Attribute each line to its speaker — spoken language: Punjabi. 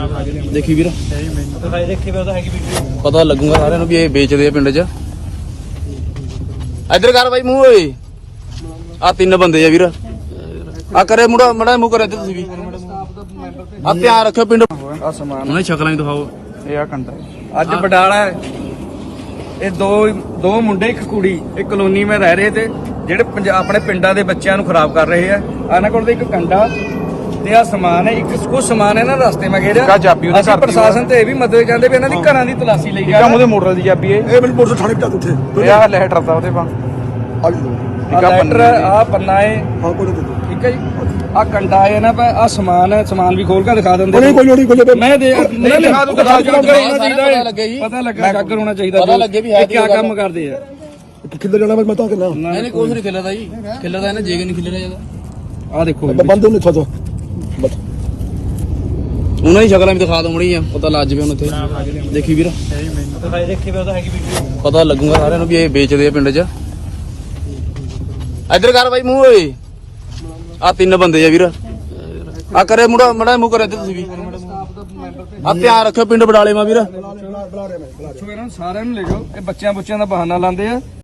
Speaker 1: ਦੇਖੀ ਵੀਰ ਪਤਾ ਲੱਗੂਗਾ ਸਾਰਿਆਂ ਨੂੰ ਵੀ ਇਹ ਵੇਚਦੇ ਆ ਪਿੰਡ 'ਚ। ਇੱਧਰ ਕਰ ਬਾਈ ਮੂੰਹ ਓਏ, ਆ ਤਿੰਨ ਬੰਦੇ ਆ ਵੀਰ। ਆ ਕਰੇ ਮੁੰਡਾ ਮੜਾ ਮੂੰਹ ਕਰੇ ਤੁਸੀਂ ਵੀ। ਆ ਧਿਆਨ ਰੱਖਿਓ ਪਿੰਡ
Speaker 2: ਆ ਸਮਾਨ
Speaker 1: ਉਹਨੇ ਸ਼ਕਲਾਂ ਹੀ ਦਿਖਾਓ।
Speaker 2: ਇਹ ਆ ਕੰਡਾ ਅੱਜ ਬਡਾਲਾ ਇਹ ਦੋ ਮੁੰਡੇ ਇੱਕ ਕੁੜੀ ਇੱਕ ਕਲੋਨੀ में ਰਹਿ ਰਹੇ ਤੇ ਜਿਹੜੇ ਆਪਣੇ ਪਿੰਡਾਂ ਦੇ ਬੱਚਿਆਂ ਨੂੰ ਖਰਾਬ ਕਰ ਰਹੇ ਆ। ਇਹਨਾਂ ਕੋਲ ਇੱਕ ਕੰਡਾ ਤੇ ਆ ਸਮਾਨ ਹੈ, ਇੱਕ ਕੁਝ ਸਮਾਨ ਇਹਨਾਂ ਰਸਤੇ ਮੈਂ ਘੇਰਿਆ। ਅਸੀਂ ਪ੍ਰਸ਼ਾਸਨ ਤੇ ਇਹ ਵੀ ਮਦਦ ਚਾਹੁੰਦੇ ਵੀ ਇਹਨਾਂ ਦੀ ਘਰਾਂ ਦੀ ਤਲਾਸ਼ੀ ਲਈ ਜਾ।
Speaker 3: ਉਹਦੇ ਮੋਟਰ ਦੀ ਚਾਬੀ ਇਹ
Speaker 4: ਮੈਨੂੰ ਮੋਟਰ ਥਾਣੇ ਪਟਾ ਉੱਥੇ
Speaker 3: ਇਹ ਆ ਲੈਟਰ ਦਾ ਉਹਦੇ ਪਾ
Speaker 4: ਆ ਜੀ
Speaker 2: ਲੈਟਰ ਆ ਪੰਨਾ ਹੈ।
Speaker 4: ਹਾਂ ਕੋਈ ਨਹੀਂ
Speaker 2: ਠੀਕ ਹੈ ਜੀ। ਆ ਕੰਡਾ ਹੈ ਨਾ ਆ ਸਮਾਨ ਹੈ, ਸਮਾਨ ਵੀ ਖੋਲ ਕੇ ਦਿਖਾ ਦਿੰਦੇ।
Speaker 4: ਕੋਈ ਨਹੀਂ ਕੋਈ
Speaker 2: ਮੈਂ ਦੇ ਨਹੀਂ
Speaker 1: ਦਿਖਾ ਦੂੰਗਾ।
Speaker 2: ਪਤਾ ਲੱਗੇ ਜੀ, ਪਤਾ ਲੱਗਾ ਜਾਗਰ ਹੋਣਾ ਚਾਹੀਦਾ।
Speaker 1: ਪਤਾ ਲੱਗੇ ਵੀ ਹੈ
Speaker 2: ਕੀ ਕੰਮ ਕਰਦੇ ਆ।
Speaker 4: ਕਿੱਧਰ ਜਾਣਾ ਮੈਂ ਤਾਂ ਕਿੰਨਾ
Speaker 1: ਨਹੀਂ ਕੁਛ ਨਹੀਂ ਖਿਲਰਦਾ ਜੀ, ਖਿਲਰਦਾ ਇਹਨਾਂ ਜੇਗ ਨਹੀਂ ਖਿਲਰਿਆ ਜਾਂਦਾ।
Speaker 2: ਆ ਦੇਖੋ
Speaker 4: ਬੰਦ ਉਹਨੇ ਥੋੜਾ
Speaker 1: ਉਹਨਾਂ ਦੀ ਸ਼ਕਲਾਂ ਵੀ ਦਿਖਾ ਦੋ ਮੜੀ ਆ, ਪਤਾ ਲੱਜ ਪਿਆ ਹੁਣ ਇੱਥੇ। ਦੇਖੀ ਵੀਰ ਪਤਾ ਲੱਗੂਗਾ ਸਾਰਿਆਂ ਨੂੰ ਵੀ ਇਹ ਵੇਚਦੇ ਆ ਪਿੰਡ 'ਚ। ਇੱਧਰ ਕਰ ਬਾਈ ਮੂੰਹ ਓਏ, ਆ ਤਿੰਨ ਬੰਦੇ ਆ ਵੀਰ। ਆ ਕਰੇ ਮੁੰਡਾ ਮੜਾ ਮੂੰਹ ਕਰੇ ਤੁਸੀਂ ਵੀ। ਆ ਧਿਆਨ ਰੱਖਿਓ ਪਿੰਡ ਬਡਾਲੇ ਮਾ ਵੀਰ।
Speaker 2: ਇਹਨਾਂ ਸਾਰਿਆਂ ਨੂੰ ਲੈ ਜਾਓ। ਇਹ ਬੱਚਿਆਂ ਦਾ ਬਹਾਨਾ ਲਾਉਂਦੇ ਆ।